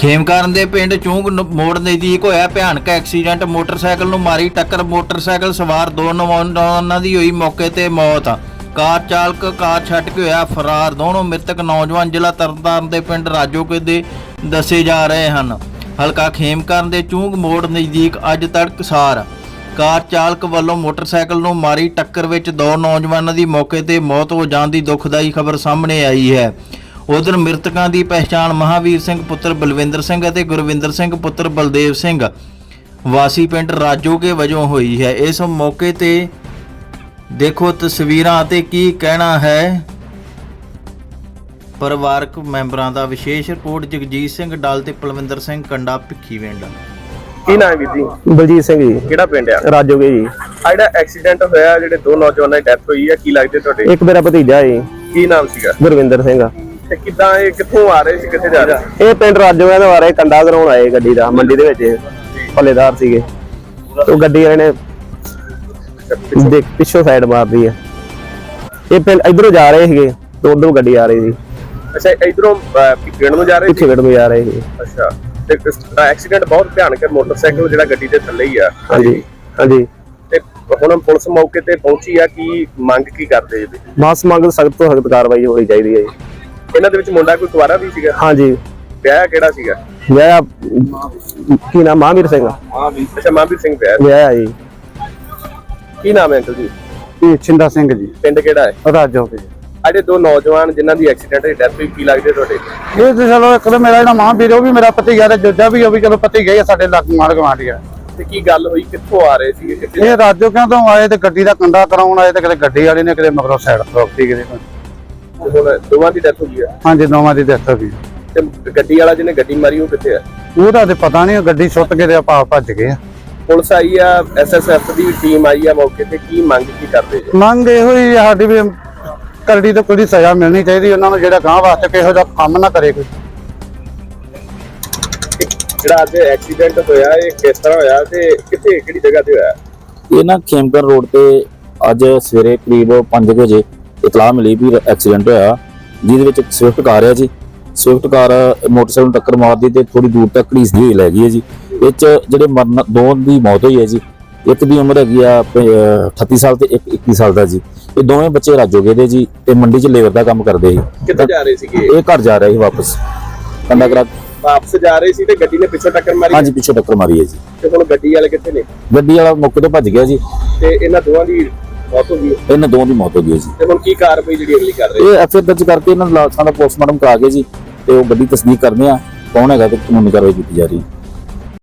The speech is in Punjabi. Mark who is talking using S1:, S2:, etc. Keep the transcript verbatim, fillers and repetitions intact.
S1: ਖੇਮਕਰਨ ਦੇ ਪਿੰਡ ਚੂੰਗ ਮੋੜ ਨਜ਼ਦੀਕ ਹੋਇਆ ਭਿਆਨਕ ਐਕਸੀਡੈਂਟ। ਮੋਟਰਸਾਈਕਲ ਨੂੰ ਮਾਰੀ ਟੱਕਰ। ਮੋਟਰਸਾਈਕਲ ਸਵਾਰ ਦੋ ਨੌਜਵਾਨਾਂ ਦੀ ਹੋਈ ਮੌਕੇ ਤੇ ਮੌਤ। ਕਾਰ ਚਾਲਕ ਕਾਰ ਛੱਡ ਕੇ ਹੋਇਆ ਫਰਾਰ। ਦੋਨੋਂ ਮ੍ਰਿਤਕ ਨੌਜਵਾਨ ਜ਼ਿਲ੍ਹਾ ਤਰਨਤਾਰਨ ਦੇ ਪਿੰਡ ਰਾਜੋਕੇ ਦੇ ਦੱਸੇ ਜਾ ਰਹੇ ਹਨ। ਹਲਕਾ ਖੇਮਕਰਨ ਦੇ ਚੂੰਗ ਮੋੜ ਨਜ਼ਦੀਕ ਅੱਜ ਤੜਕਸਾਰ ਕਾਰ ਚਾਲਕ ਵੱਲੋਂ ਮੋਟਰਸਾਈਕਲ ਨੂੰ ਮਾਰੀ ਟੱਕਰ ਵਿੱਚ ਦੋ ਨੌਜਵਾਨਾਂ ਦੀ ਮੌਕੇ ਤੇ ਮੌਤ ਹੋ ਜਾਣ ਦੀ ਦੁਖਦਾਈ ਖਬਰ ਸਾਹਮਣੇ ਆਈ ਹੈ। ਉਧਰ ਮ੍ਰਿਤਕਾਂ ਦੀ ਪਹਿਚਾਣ ਮਹਾਵੀਰ ਸਿੰਘ ਪੁੱਤਰ ਬਲਵਿੰਦਰ ਸਿੰਘ ਅਤੇ ਗੁਰਵਿੰਦਰ ਸਿੰਘ ਪੁੱਤਰ ਬਲਦੇਵ ਸਿੰਘ ਵਾਸੀ ਪਿੰਡ ਰਾਜੋਕੇ ਵਜੋਂ ਹੋਈ ਹੈ। ਇਸ ਮੌਕੇ ਤੇ ਦੇਖੋ ਤਸਵੀਰਾਂ ਅਤੇ ਕੀ ਕਹਿਣਾ ਹੈ ਪਰਿਵਾਰਕ ਮੈਂਬਰਾਂ ਦਾ। ਵਿਸ਼ੇਸ਼ ਰਿਪੋਰਟ ਜਗਜੀਤ ਸਿੰਘ ਡਾਲ ਤੇ ਪਲਵਿੰਦਰ ਸਿੰਘ ਕੰਡਾ ਭਿੱਖੀਵਿੰਡ।
S2: ਕੀ ਨਾਮ ਹੈ ਵੀਰ ਜੀ?
S3: ਬਲਜੀਤ ਸਿੰਘ ਜੀ।
S2: ਕਿਹੜਾ ਪਿੰਡ ਆ?
S3: ਰਾਜੋਕੇ ਜੀ।
S2: ਆ ਜਿਹੜਾ ਐਕਸੀਡੈਂਟ ਹੋਇਆ, ਜਿਹੜੇ ਦੋ ਨੌਜਵਾਨਾਂ ਦੀ ਡੈਥ ਹੋਈ ਹੈ, ਕੀ ਲੱਗਦੇ ਤੁਹਾਡੇ?
S3: ਇੱਕ ਮੇਰਾ ਭਤੀਜਾ ਜੀ।
S2: ਕੀ ਨਾਮ ਸੀਗਾ?
S3: ਗੁਰਵਿੰਦਰ ਸਿੰਘ।
S2: ਤੇ ਕਿੱਦਾਂ ਇਹ ਕਿੱਥੋਂ ਆ ਰਹੇ ਸੀ, ਕਿੱਥੇ ਜਾ ਰਹੇ?
S3: ਇਹ ਪਿੰਡ ਰਾਜੋਕੇ ਤੋਂ ਆ ਰਹੇ, ਕੰਡਾ ਕਰਾਉਣ ਆਏ ਗੱਡੀ ਦਾ। ਮੰਡੀ ਦੇ ਵਿੱਚ ਭੱਲੇਦਾਰ ਸੀਗੇ। ਉਹ ਗੱਡੀ ਵਾਲੇ ਨੇ ਦੇਖ ਪਿੱਛੋਂ ਸਾਈਡ ਮਾਰਦੀ ਹੈ। ਇਹ ਪਿੰਡ ਇਧਰੋਂ ਜਾ ਰਹੇ ਸੀਗੇ ਤੇ ਉਧਰੋਂ ਗੱਡੀ ਆ ਰਹੀ ਸੀ।
S2: ਅੱਛਾ, ਇਧਰੋਂ ਪਿੰਡ ਨੂੰ ਜਾ ਰਹੇ ਸੀ?
S3: ਪਿੱਛੇ ਨੂੰ ਜਾ ਰਹੇ ਸੀ।
S2: ਅੱਛਾ, ਤੇ ਐਕਸੀਡੈਂਟ ਬਹੁਤ ਭਿਆਨਕ ਹੈ। ਮੋਟਰਸਾਈਕਲ ਜਿਹੜਾ ਗੱਡੀ ਦੇ ਥੱਲੇ ਹੀ ਆ।
S3: ਹਾਂਜੀ ਹਾਂਜੀ।
S2: ਤੇ ਹੁਣ ਪੁਲਿਸ ਮੌਕੇ ਤੇ ਪਹੁੰਚੀ ਆ, ਕੀ ਮੰਗ ਕੀ ਕਰਦੇ ਜੀ?
S3: ਮਾਸ ਮੰਗ ਸਖਤ ਤੋਂ ਸਖਤ ਕਾਰਵਾਈ ਹੋਣੀ ਚਾਹੀਦੀ ਹੈ ਜੀ।
S2: ਇਹਨਾਂ ਦੇ ਵਿੱਚ ਮੁੰਡਾ ਕੋਈ ਕੁਆਰਾ ਵੀ ਸੀਗਾ?
S3: ਹਾਂਜੀ।
S2: ਵਿਆਹ ਕਿਹੜਾ ਸੀਗਾ?
S3: ਵਿਆਹ ਕੀ ਨਾਮ? ਮਹਾਵੀਰ ਸਿੰਘ।
S2: ਅੱਛਾ, ਮਹਾਵੀਰ ਸਿੰਘ ਵਿਆਹ
S3: ਵਿਆਹ ਜੀ।
S2: ਕੀ ਨਾਮ ਹੈ ਅੰਕਲ ਜੀ?
S3: ਇਹ ਛਿੰਦਾ ਸਿੰਘ ਜੀ।
S2: ਪਿੰਡ ਕਿਹੜਾ ਹੈ?
S3: ਰਾਜੋਕੇ।
S2: ਅਜੇ ਦੋ ਨੌਜਵਾਨ ਜਿਨ੍ਹਾਂ ਦੀ ਐਕਸੀਡੈਂਟ ਦੀ ਡੈਥ ਹੋਈ, ਕੀ ਲੱਗਦੇ ਤੁਹਾਡੇ?
S3: ਇਹ ਤੇ ਚਲੋ ਇੱਕ ਤਾਂ ਮੇਰਾ ਜਿਹੜਾ ਮਹਾਂਵੀਰ ਉਹ ਵੀ ਮੇਰਾ ਭਤੀਜਾ ਤੇ ਜੋਜਾ ਵੀ ਉਹ ਵੀ ਚਲੋ ਭਤੀਜਾ ਹੀ ਸਾਡੇ ਲੱਗ ਮਾਰ ਗਵਾਂਢੀ ਆ।
S2: ਤੇ ਕੀ ਗੱਲ ਹੋਈ, ਕਿੱਥੋਂ ਆ ਰਹੇ ਸੀਗੇ? ਕਿੱਥੇ?
S3: ਇਹ ਰਾਜੋਕਿਆਂ ਤੋਂ ਆਏ ਤੇ ਗੱਡੀ ਦਾ ਕੰਡਾ ਕਰਾਉਣ ਆਏ ਤੇ ਕਿਤੇ ਗੱਡੀ ਵਾਲੇ ਨੇ ਕਿਤੇ ਮਗਰੋਂ ਸਾਈਡ ਰੋਕਤੀ ਕਿਤੇ।
S2: ਹੁਣ ਦੋਵਾਂ ਦੀ ਡੈਥ ਹੋ ਗਈ ਆ?
S3: ਹਾਂਜੀ, ਦੋਵਾਂ ਦੀ ਡੈਥ ਹੋ ਗਈ।
S2: ਤੇ ਗੱਡੀ ਵਾਲਾ ਜਿਹਨੇ ਗੱਡੀ ਮਾਰੀ ਉਹ ਕਿੱਥੇ ਆ?
S3: ਉਹਦਾ ਤੇ ਪਤਾ ਨਹੀਂ, ਗੱਡੀ ਸੁੱਟ ਕੇ ਤੇ ਆਪਾਂ ਭੱਜ ਗਏ ਆ।
S2: ਪੁਲਿਸ ਆਈ ਆ, ਐਸ ਐਸ ਐਫ ਦੀ ਟੀਮ ਆਈ ਆ ਮੌਕੇ ਤੇ, ਕੀ ਮੰਗ ਕੀ ਕਰਦੇ ਜੀ?
S3: ਮੰਗ ਇਹੋ ਹੀ ਸਾਡੀ ਵੀ ਕਰੜੀ ਤੋਂ ਕੋਈ ਸਜ਼ਾ ਮਿਲਣੀ ਚਾਹੀਦੀ ਉਹਨਾਂ ਨੂੰ, ਜਿਹੜਾ ਗਾਂ ਵਾਸਤੇ ਕਿਹੋ ਜਿਹਾ ਕੰਮ ਨਾ ਕਰੇ ਕੋਈ।
S2: ਜਿਹੜਾ ਅੱਜ ਐਕਸੀਡੈਂਟ ਹੋਇਆ ਇਹ ਕਿਸ ਤਰ੍ਹਾਂ ਹੋਇਆ ਤੇ ਕਿੱਥੇ ਕਿਹੜੀ ਜਗ੍ਹਾ ਤੇ ਹੋਇਆ?
S4: ਇਹ ਨਾ ਖੇਮਕਰਨ ਰੋਡ ਤੇ ਅੱਜ ਸਵੇਰੇ ਕਰੀਬ ਪੰਜ ਵਜੇ ਇਤਲਾਹ ਮਿਲੀ ਵੀ ਐਕਸੀਡੈਂਟ ਹੋਇਆ, ਜਿਹਦੇ ਵਿੱਚ ਇੱਕ ਸਵਿਫਟ ਕਾਰ ਹੈ ਜੀ। ਸਵਿਫਟ ਕਾਰ ਮੋਟਰਸਾਈਕਲ ਨੂੰ ਟੱਕਰ ਮਾਰਦੀ ਤੇ ਥੋੜੀ ਦੂਰ ਤੱਕ ਘੜੀਸਦੀ ਹੋਈ ਲੈ ਗਈ ਹੈ ਜੀ। ਇਹ 'ਚ ਜਿਹੜੇ ਮਰਨ ਦੋ ਦੀ ਮੌਤ ਹੋਈ ਹੈ ਜੀ। ਇੱਕ ਦੀ ਉਮਰ ਹੈਗੀ ਆ ਅਠੱਤੀ ਸਾਲ ਤੇ ਇੱਕ ਇੱਕੀ ਸਾਲ ਦਾ ਜੀ। ਇਹ ਦੋਵੇਂ ਬੱਚੇ ਰਾਜੋਕੇ ਦੇ ਜੀ ਤੇ ਮੰਡੀ 'ਚ ਲੇਬਰ ਦਾ ਕੰਮ ਕਰਦੇ ਸੀ।
S2: ਕਿੱਥੇ ਜਾ ਰਹੇ ਸੀਗੇ?
S4: ਇਹ ਘਰ ਜਾ ਰਹੇ ਸੀ ਵਾਪਸ ਕੰਡਾ ਕਰਾ।
S2: ਵਾਪਸ ਜਾ ਰਹੇ ਸੀ ਤੇ ਗੱਡੀ ਨੇ ਪਿੱਛੋਂ ਟੱਕਰ ਮਾਰੀ?
S4: ਹਾਂਜੀ, ਪਿੱਛੋਂ ਟੱਕਰ ਮਾਰੀ ਹੈ ਜੀ।
S2: ਤੇ ਹੁਣ ਗੱਡੀ ਵਾਲੇ ਕਿੱਥੇ ਨੇ?
S4: ਗੱਡੀ ਵਾਲਾ ਮੌਕੇ ਤੋਂ ਭੱਜ ਗਿਆ ਜੀ
S2: ਤੇ ਇਹਨਾਂ ਦੋਵਾਂ ਦੀ ਮੌਤ ਹੋ ਗਈ?
S4: ਇਹਨਾਂ ਦੋਵਾਂ ਦੀ ਮੌਤ ਹੋ ਗਈ ਜੀ।
S2: ਤੇ ਹੁਣ ਕੀ ਕਾਰਵਾਈ ਜਿਹੜੀ ਅਗਲੀ ਕਰ ਰਹੇ?
S4: ਇਹ ਐਫ ਆਈ ਆਰ ਦਰਜ ਕਰਕੇ ਇਹਨਾਂ ਨੂੰ ਲਾਸ਼ਾਂ ਦਾ ਪੋਸਟਮਾਰਟਮ ਕਰਾ ਕੇ ਜੀ ਤੇ ਉਹ ਗੱਡੀ ਤਸਦੀਕ ਕਰਦੇ ਆ ਕੌਣ ਹੈਗਾ ਤੇ ਕਾਨੂੰਨੀ ਕਾਰਵਾਈ ਕੀਤੀ ਜਾ ਰਹੀ ਹੈ।